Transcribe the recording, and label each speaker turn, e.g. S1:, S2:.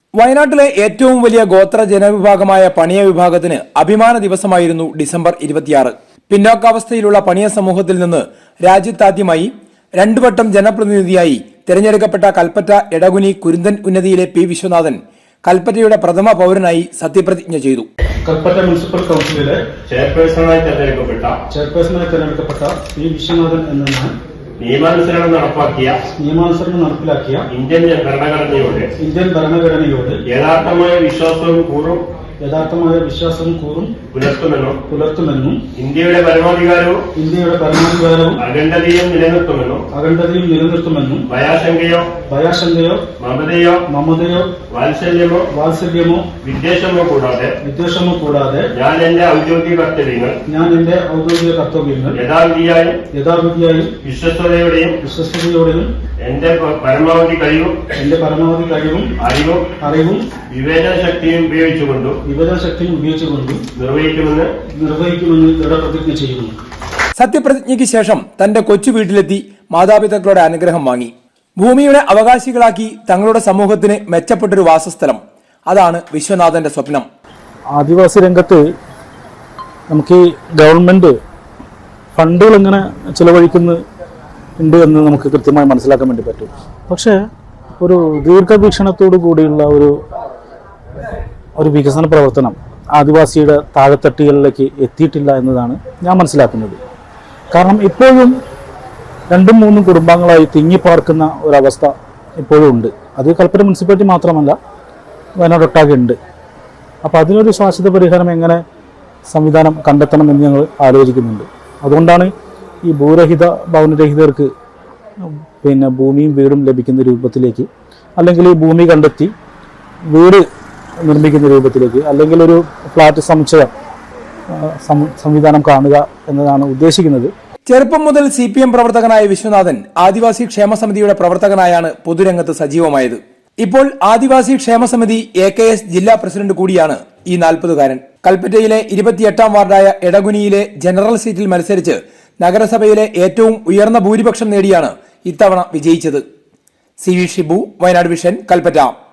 S1: വയനാട്ടിലെ ഏറ്റവും വലിയ ഗോത്ര ജനവിഭാഗമായ പണിയ വിഭാഗത്തിന് അഭിമാന ദിവസമായിരുന്നു ഡിസംബർ 26. പിന്നോക്കാവസ്ഥയിലുള്ള പണിയ സമൂഹത്തിൽ നിന്ന് രാജ്യത്താദ്യമായി 2 വട്ടം ജനപ്രതിനിധിയായി തിരഞ്ഞെടുക്കപ്പെട്ട കൽപ്പറ്റ എടകുനി കുരുന്തൻ ഉന്നതിയിലെ പി വിശ്വനാഥൻ കൽപ്പറ്റയുടെ പ്രഥമ പൗരനായി സത്യപ്രതിജ്ഞ ചെയ്തു.
S2: കൽപ്പറ്റ മുനിസിപ്പൽ കൗൺസിലിലെ ചെയർപേഴ്സണായി തെരഞ്ഞെടുക്കപ്പെട്ട പി വിശ്വനാഥൻ എന്ന ഞാൻ
S3: നിയമാനുസരണം
S2: നടപ്പിലാക്കിയ
S3: ഇന്ത്യൻ ഭരണഘടനയോട്
S2: യഥാർത്ഥമായ വിശ്വാസവും കൂറും പുലർത്തുമെന്നും
S3: ഇന്ത്യയുടെ പരമാധികാരവും അഖണ്ഡതയും നിലനിർത്തുമെന്നും ഭയാശങ്കയോ മമതയോ വാത്സല്യമോ വിദ്വേഷമോ കൂടാതെ ഞാൻ എന്റെ ഔദ്യോഗിക കർത്തവ്യങ്ങൾ യഥാവിധിയായും വിശ്വസ്തയോടെയും എന്റെ പരമാവധി കഴിവും അറിവും വിവേചന ശക്തിയും ഉപയോഗിച്ചുകൊണ്ടും നിർവഹിക്കുമെന്ന് ദൃഢപ്രതിജ്ഞ ചെയ്യുന്നു.
S1: സത്യപ്രതിജ്ഞയ്ക്ക് ശേഷം തന്റെ കൊച്ചു വീട്ടിലെത്തി മാതാപിതാക്കളുടെ അനുഗ്രഹം വാങ്ങി. ഭൂമിയുടെ അവകാശികളാക്കി തങ്ങളുടെ സമൂഹത്തിന് മെച്ചപ്പെട്ടൊരു വാസസ്ഥലം, അതാണ് വിശ്വനാഥന്റെ സ്വപ്നം.
S4: ആദിവാസി രംഗത്ത് നമുക്ക് ഈ ഗവൺമെന്റ് ഫണ്ടുകൾ എങ്ങനെ ചിലവഴിക്കുന്നുണ്ട് എന്ന് നമുക്ക് കൃത്യമായി മനസ്സിലാക്കാൻ വേണ്ടി പറ്റും. പക്ഷേ ഒരു ദീർഘവീക്ഷണത്തോടു കൂടിയുള്ള ഒരു വികസന പ്രവർത്തനം ആദിവാസിയുടെ താഴെത്തട്ടുകളിലേക്ക് എത്തിയിട്ടില്ല എന്നതാണ് ഞാൻ മനസ്സിലാക്കുന്നത്. കാരണം ഇപ്പോഴും 2-3 കുടുംബങ്ങളായി തിങ്ങിപ്പാർക്കുന്ന ഒരവസ്ഥ ഇപ്പോഴും ഉണ്ട്. അത് കൽപ്പറ്റ മുനിസിപ്പാലിറ്റി മാത്രമല്ല, വയനാടൊട്ടാകെ ഉണ്ട്. അപ്പോൾ അതിനൊരു ശാശ്വത പരിഹാരം എങ്ങനെ സംവിധാനം കണ്ടെത്തണമെന്ന് ഞങ്ങൾ ആലോചിക്കുന്നുണ്ട്. അതുകൊണ്ടാണ് ഈ ഭൂരഹിത ഭവനരഹിതർക്ക് ഭൂമിയും വീടും ലഭിക്കുന്ന രൂപത്തിലേക്ക്, അല്ലെങ്കിൽ ഈ ഭൂമി കണ്ടെത്തി വീട് നിർമ്മിക്കുന്ന രൂപത്തിലേക്ക്, അല്ലെങ്കിൽ ഒരു ഫ്ലാറ്റ് സമുച്ചയം സംവിധാനം കാണുക എന്നതാണ് ഉദ്ദേശിക്കുന്നത്.
S1: ചെറുപ്പം മുതൽ CPM പ്രവർത്തകനായ വിശ്വനാഥൻ ആദിവാസി ക്ഷേമസമിതിയുടെ പ്രവർത്തകനായാണ് പൊതുരംഗത്ത് സജീവമായത്. ഇപ്പോൾ ആദിവാസി ക്ഷേമസമിതി AKS ജില്ലാ പ്രസിഡന്റ് കൂടിയാണ് ഈ 40-കാരൻ. കൽപ്പറ്റയിലെ 28-ാം വാർഡായ എടകുനിയിലെ ജനറൽ സീറ്റിൽ മത്സരിച്ച് നഗരസഭയിലെ ഏറ്റവും ഉയർന്ന ഭൂരിപക്ഷം നേടിയാണ് ഇത്തവണ വിജയിച്ചത്. CV Shibu, Wayanad vision, Kalpetta.